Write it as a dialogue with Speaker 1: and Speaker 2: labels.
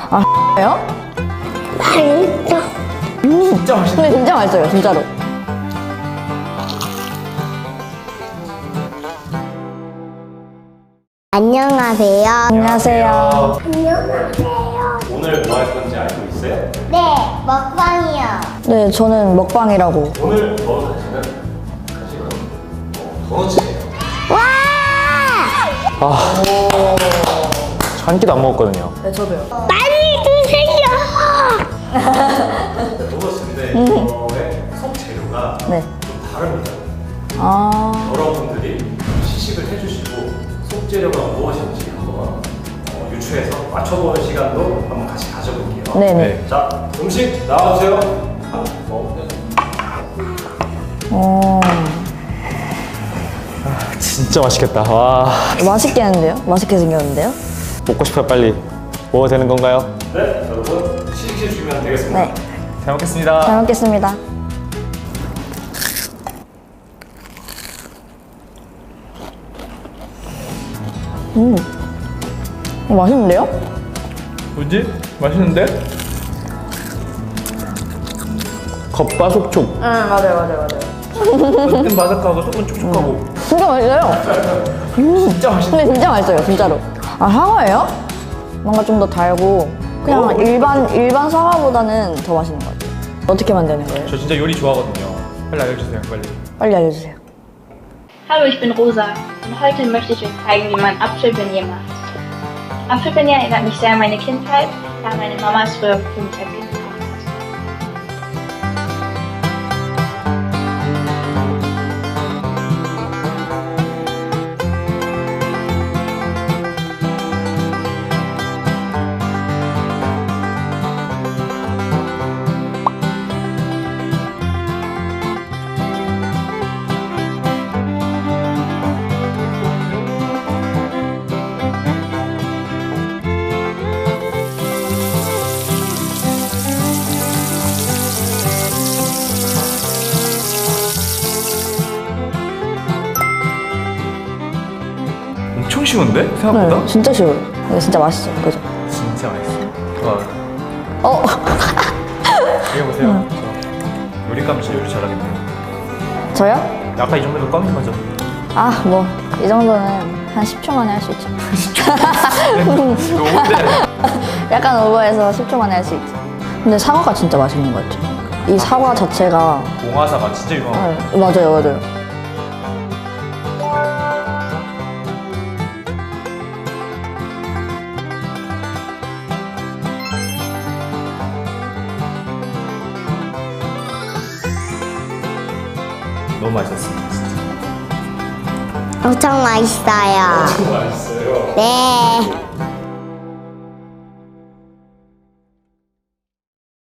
Speaker 1: 아, 요?
Speaker 2: 맛있어.
Speaker 3: 진짜 맛있네.
Speaker 1: 근데 진짜 맛있어요, 진짜로.
Speaker 2: 안녕하세요.
Speaker 1: 안녕하세요.
Speaker 2: 안녕하세요.
Speaker 3: 오늘 뭐 할 건지 알고 있어요?
Speaker 2: 네, 먹방이요.
Speaker 1: 네, 저는 먹방이라고.
Speaker 3: 오늘 먹을 간식은 도넛이에요.
Speaker 2: 와!
Speaker 4: 한 끼도 안 먹었거든요.
Speaker 1: 네, 저도요.
Speaker 2: 많이 드세요.
Speaker 3: 도넛인데 이거의 속 재료가
Speaker 1: 네.
Speaker 3: 좀 다릅니다.
Speaker 1: 아,
Speaker 3: 여러분들이 시식을 해주시고 속 재료가 무엇인지 한번 유추해서 맞춰보는 시간도 한번 같이 가져볼게요.
Speaker 1: 네네.
Speaker 3: 자, 음식 나와주세요. 먹으면
Speaker 4: 진짜 맛있겠다. 와,
Speaker 1: 맛있게 하는데요? 맛있게 생겼는데요?
Speaker 4: 먹고 싶어요. 빨리. 먹어도 되는 건가요?
Speaker 3: 네, 여러분 시식해 주시면 되겠습니다.
Speaker 1: 네.
Speaker 4: 잘 먹겠습니다.
Speaker 1: 잘 먹겠습니다. 맛있는데요?
Speaker 4: 뭐지? 맛있는데? 겉바속촉.
Speaker 1: 응, 맞아요.
Speaker 4: 겉은 바삭하고 속은 촉촉하고.
Speaker 1: 진짜 맛있어요.
Speaker 4: 진짜 맛있네.
Speaker 1: 근데 진짜 맛있어요, 진짜로. 아, 사과예요? 뭔가 좀 더 달고 그냥 일반 사과보다는 더 맛있는 것 같아요. 어떻게 만드는 거예요?
Speaker 4: 저 진짜 요리 좋아하거든요. 빨리 알려주세요. 빨리.
Speaker 1: 빨리 알려주세요.
Speaker 5: Hallo, ich bin Rosa und heute möchte ich euch zeigen, wie man Apfelbeignet macht. Apfelbeignet erinnert mich sehr an meine Kindheit, da meine Mama es früher für mich als Kind gemacht hat.
Speaker 4: 엄청 쉬운데? 생각보다?
Speaker 1: 네, 진짜 쉬워요. 근데 진짜 맛있어요, 그죠?
Speaker 4: 진짜 맛있어. 와,
Speaker 1: 어,
Speaker 4: 이거 보세요. 저 요리감 진짜 요리 잘하겠네요.
Speaker 1: 저요?
Speaker 4: 아까 이 정도면 껌인 거죠?
Speaker 1: 아, 뭐 이 정도는 한 10초 만에 할 수 있죠.
Speaker 4: 이거 뭔데?
Speaker 1: 약간 오버해서 10초 만에 할 수 있죠. 근데 사과가 진짜 맛있는 것 같아요. 이 사과 자체가
Speaker 4: 봉화사가 진짜 유명하고.
Speaker 1: 네, 맞아요.
Speaker 4: 너무 맛있었습니다. 진짜.
Speaker 2: 엄청 맛있어요.
Speaker 3: 맛있어요.
Speaker 2: 네.